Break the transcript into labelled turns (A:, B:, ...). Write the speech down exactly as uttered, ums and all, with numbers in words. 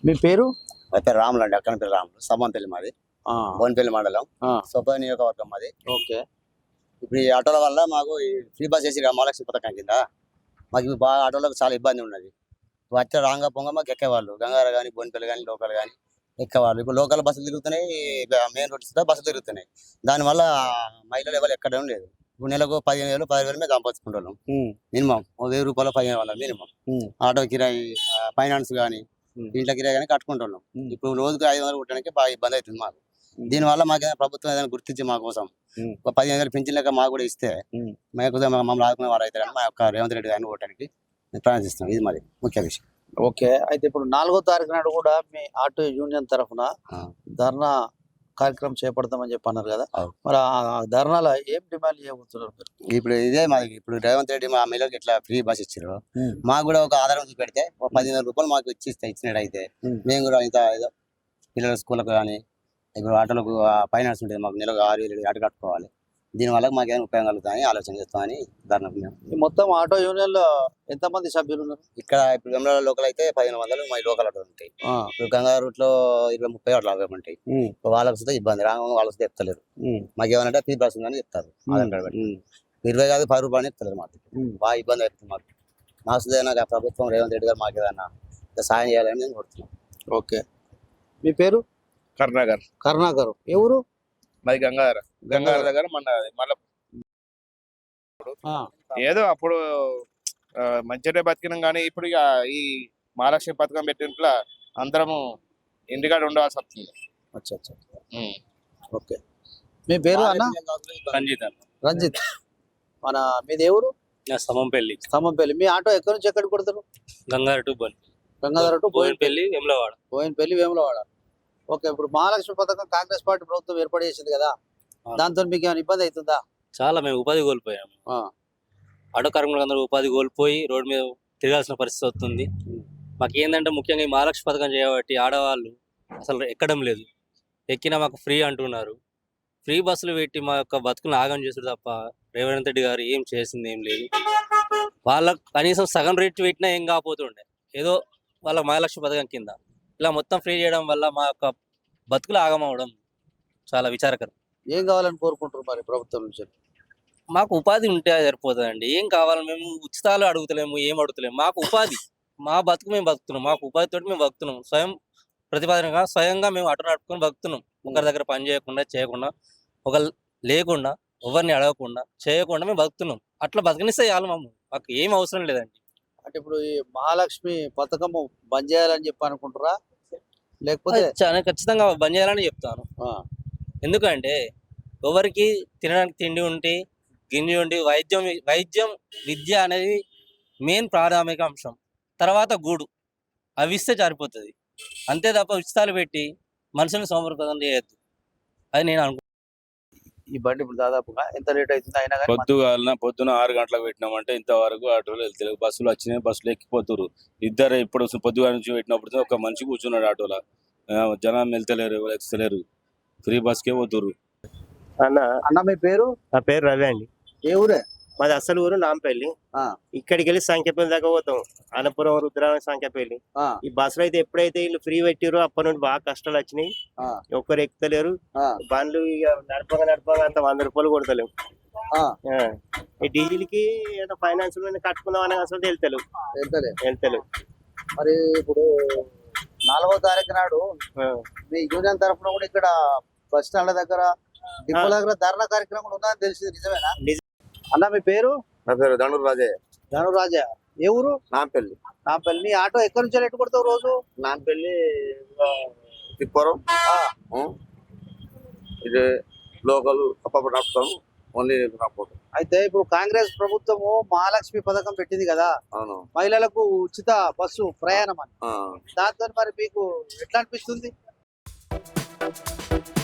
A: మీ పేరు?
B: నా పేరు రాములు అండి. అక్కడ పేరు రాములు. సమ్మంపల్లి మాది, బోన్పల్లి మండలం, సొప్ప నియోజకవర్గం మాది.
A: ఓకే.
B: ఇప్పుడు ఈ ఆటోల వల్ల మాకు ఈ ఫ్రీ బస్ చేసి మహాలక్ష్మి పథకం కింద మాకు ఇప్పుడు బాగా ఆటోలకు చాలా ఇబ్బంది ఉన్నది. వచ్చే రాంగ పొంగ మాకు ఎక్కేవాళ్ళు గంగార కానీ బోన్పల్లి కానీ లోకల్ కానీ ఎక్కేవాళ్ళు. ఇప్పుడు లోకల్ బస్సులు తిరుగుతున్నాయి, మెయిన్ రోడ్స్ బస్సులు తిరుగుతున్నాయి. దానివల్ల మహిళలు ఎవరు ఎక్కడం లేదు. ఇప్పుడు నెలకు పదిహేను వేలు పదిహేను వేలు మేము సంపాదించుకుంటున్నాం. మినిమం వెయ్యి రూపాయలు పదిహేను వందలు మినిమం. ఆటో కిరాయి, ఫైనాన్స్ కానీ ఇంట్లో కిరాయి కానీ కట్టుకుంటున్నాం. ఇప్పుడు రోజుకి ఐదు వందలు కొట్టడానికి బాగా ఇబ్బంది అవుతుంది మాకు. దీనివల్ల మాకు ప్రభుత్వం ఏదైనా గుర్తించి మా కోసం ఒక పదిహేను వేలు పెంచిన లెక్క మాకు కూడా ఇస్తే మాకు మమ్మల్ని ఆదుకునే వారు అవుతారని మా యొక్క రేవంత్ రెడ్డి గారిని ఓటానికి ప్రార్థిస్తాం. ఇది మాది ముఖ్య విషయం.
A: ఓకే. అయితే ఇప్పుడు నాలుగో తారీఖు నాడు కూడా మీ ఆటో యూనియన్ తరఫున ధర్నా కార్యక్రమం చేపడతామని చెప్పి అన్నారు కదా, మరి ఆ ధర్నాలో ఏం డిమాండ్ చేయబోతున్నారు మీరు?
B: ఇప్పుడు ఇదే మాది. ఇప్పుడు రేవంత్ రెడ్డి మా మహిళలకు ఇట్లా ఫ్రీ బస్ ఇచ్చారు, మాకు కూడా ఒక ఆధారం చూపెడితే ఒక పదిహేను రూపాయలు మాకు ఇచ్చి ఇచ్చినట్టు అయితే మేము కూడా ఇంత ఏదో పిల్లల స్కూళ్ళకు కానీ ఇప్పుడు ఆటోలకు ఫైనాన్స్ ఉంటుంది, మాకు నెలకు ఆరు వేలు ఆటో కట్టుకోవాలి. దీనివల్ల మాకు ఏమైనా ఉపయోగం కలుగుతామని ఆలోచన చేస్తామని ధర్నా.
A: మొత్తం ఆటో యూనియన్ లో ఎంతమంది సభ్యులు ఉన్నారు?
B: ఇక్కడ ఇప్పుడు వెమ్ల లోకల్ అయితే పదిహేను వందలు మా లోకల్ ఆటోలు ఉంటాయి. ఇప్పుడు గంగా రూట్ లో ఇరవై ముప్పై ఆటోలు అవే ఉంటాయి. వాళ్ళకి వస్తే ఇబ్బంది, రాంగ వాళ్ళకి చెప్తలేరు. మాకు ఏమన్నా ఫ్రీ బస్ ఉందని చెప్తారు. ఇరవై కాదు పది రూపాయలు చెప్తలేరు. మాకు బాగా ఇబ్బంది అవుతుంది. మాకు మాకు ఏదైనా ప్రభుత్వం రేవంత్ రెడ్డి గారు మాకు ఏదైనా సాయం చేయాలని నేను కోరుతున్నాం.
A: ఓకే. మీ పేరు?
C: కరుణాకర్.
A: కరుణాకర్. ఎవరు?
C: మాది గంగాధర. గంగాధర దగ్గర మన మళ్ళీ ఏదో అప్పుడు మంచిగా బతికినాం, కానీ ఇప్పుడు ఇక ఈ మహాలక్ష్మి పథకం పెట్టినట్ల అందరము ఇంటికాడ ఉండవలసి వస్తుంది.
A: ఓకే. మీ పేరు అన్న?
D: రంజిత్.
A: రంజిత్. మన మీది ఎవరు?
D: సమంపల్లి.
A: సమంపల్లి. మీ ఆటో ఎక్కడి నుంచి ఎక్కడికి కొడతారు?
D: గంగాధర టు బోన్
A: గంగాధర టు
D: బోయినపల్లి వేములవాడ.
A: బోయినపల్లి వేములవాడ. ఓకే. ఇప్పుడు మహాలక్ష్మి పథకం కాంగ్రెస్ పార్టీ ప్రభుత్వం ఏర్పాటు చేసింది కదా, దాంతో మీకు ఏమైనా ఇబ్బంది అవుతుందా?
D: చాలా మేము ఉపాధి కోల్పోయాము. ఆటో కార్మికులకు అందరూ ఉపాధి కోల్పోయి రోడ్డు మీద తిరగాల్సిన పరిస్థితి వస్తుంది. మాకు ఏంటంటే ముఖ్యంగా ఈ మహాలక్ష్మి పథకం చేయబట్టి ఆడవాళ్ళు అసలు ఎక్కడం లేదు. ఎక్కినా మాకు ఫ్రీ అంటున్నారు. ఫ్రీ బస్సులు పెట్టి మా యొక్క బతుకులు ఆగం చేసారు తప్ప రేవంత్ రెడ్డి గారు ఏం చేసింది ఏం లేదు. వాళ్ళకు కనీసం సగం రేటు పెట్టినా ఏం కాకపోతుండే, ఏదో వాళ్ళ మహాలక్ష్మి పథకం కింద ఇలా మొత్తం ఫ్రీ చేయడం వల్ల మా యొక్క బతుకులు ఆగమవడం చాలా విచారకరం.
A: ఏం కావాలని కోరుకుంటారు మరి ప్రభుత్వం నుంచి?
D: మాకు ఉపాధి ఉంటే సరిపోతుందండి. ఏం కావాలి? మేము ఉచితాలు అడుగుతలేము, ఏం అడుగుతలేము. మాకు ఉపాధి, మా బతుకు మేము బతుకుతున్నాం. మాకు ఉపాధితో మేము బతుకుతున్నాం. స్వయం ప్రతిపాదనగా స్వయంగా మేము అటు నడుపుకొని బతుకుతున్నాం. ఒకరి దగ్గర పని చేయకుండా చేయకుండా ఒక లేకుండా ఎవరిని అడగకుండా చేయకుండా మేము బతుకుతున్నాం. అట్లా బతకనిస్తే చాలు. మమ్మ మాకు ఏం అవసరం లేదండి.
A: అంటే ఇప్పుడు ఈ మహాలక్ష్మి పథకము బంద్ చేయాలని చెప్పి అనుకుంటారా, లేకపోతే?
D: ఖచ్చితంగా బంద్ చేయాలని చెప్తాను. ఎందుకంటే ఎవరికి తినడానికి తిండి ఉంటే గింజి ఉండి వైద్యం వైద్యం విద్య అనేది మెయిన్ ప్రాథమిక అంశం. తర్వాత గూడు అవి ఇస్తే సరిపోతుంది. అంతే తప్ప ఉచితాలు పెట్టి మనుషులను సోమరిపోతం చేయొద్దు. అది నేను అనుకుంటున్నాను.
A: ఈ బండి ఇప్పుడు దాదాపుగా ఎంత రేట్ అవుతుంది? అయినా
E: పొద్దుగాలన పొద్దున ఆరు గంటలకు పెట్టినామంటే ఇంతవరకు ఆటోలు వెళ్తారు. బస్సులు వచ్చినాయి, బస్సులు ఎక్కిపోతారు. ఇద్దరు ఇప్పుడు పొద్దుగాల నుంచి పెట్టినప్పుడు ఒక మనిషి కూర్చున్నాడు ఆటోలో. జనం వెళ్తలేరు, ఎవరు ఎక్స్తలేరు. ఫ్రీ బస్కే పోతురు.
F: అన్న
A: అన్న మీ పేరు?
F: నా పేరు రవి అండి.
A: ఏ ఊరే?
F: మాది అసలు ఊరు నాంపల్లి. ఇక్కడికి వెళ్ళి సంఖ్యపల్లి దాకా పోతాం. అన్నపురం, రుద్రారం, సంఖ్యపల్లి. ఈ బస్సులు అయితే ఎప్పుడైతే వీళ్ళు ఫ్రీ పెట్టారో అప్పటి నుండి బాగా కష్టాలు వచ్చినాయి. ఒక్కరు ఎక్కుతలేరు. బండ్లు ఇక నడపగా నడపగా అంత వంద రూపాయలు కొడతలేము. ఈ డీజిల్ కి ఏదో ఫైనాన్స్ కట్టుకుందాం అనే అసలు వెళ్తలేవు వెళ్తలేవు
A: మరి ఇప్పుడు నాలుగో తారీఖు నాడు మీ యూనియన్ తరఫున కూడా ఇక్కడ బస్ స్టాండ్ దగ్గర డిపో దగ్గర ధర్నా కార్యక్రమం కూడా ఉందని తెలిసింది, నిజమేనా? అన్న మీ పేరు?
B: నా పేరు ధనుర్ రాజే.
A: ధనుర్ రాజా. ఏ ఊరు?
B: నాంపల్లి.
A: నాంపల్లి. నీ ఆటో ఎక్కడి నుంచి ఎట్టు కొడతావు రోజు?
B: నాంపల్లి తిప్పరం, ఇది లోకల్ అప్పుడు నడుపుతాము. ఓన్లీ నడుపుతాం.
A: అయితే ఇప్పుడు కాంగ్రెస్ ప్రభుత్వము మహాలక్ష్మి పథకం పెట్టింది కదా,
B: అవును,
A: మహిళలకు ఉచిత బస్సు ప్రయాణం అని. దాంతో మరి మీకు ఎట్లా అనిపిస్తుంది?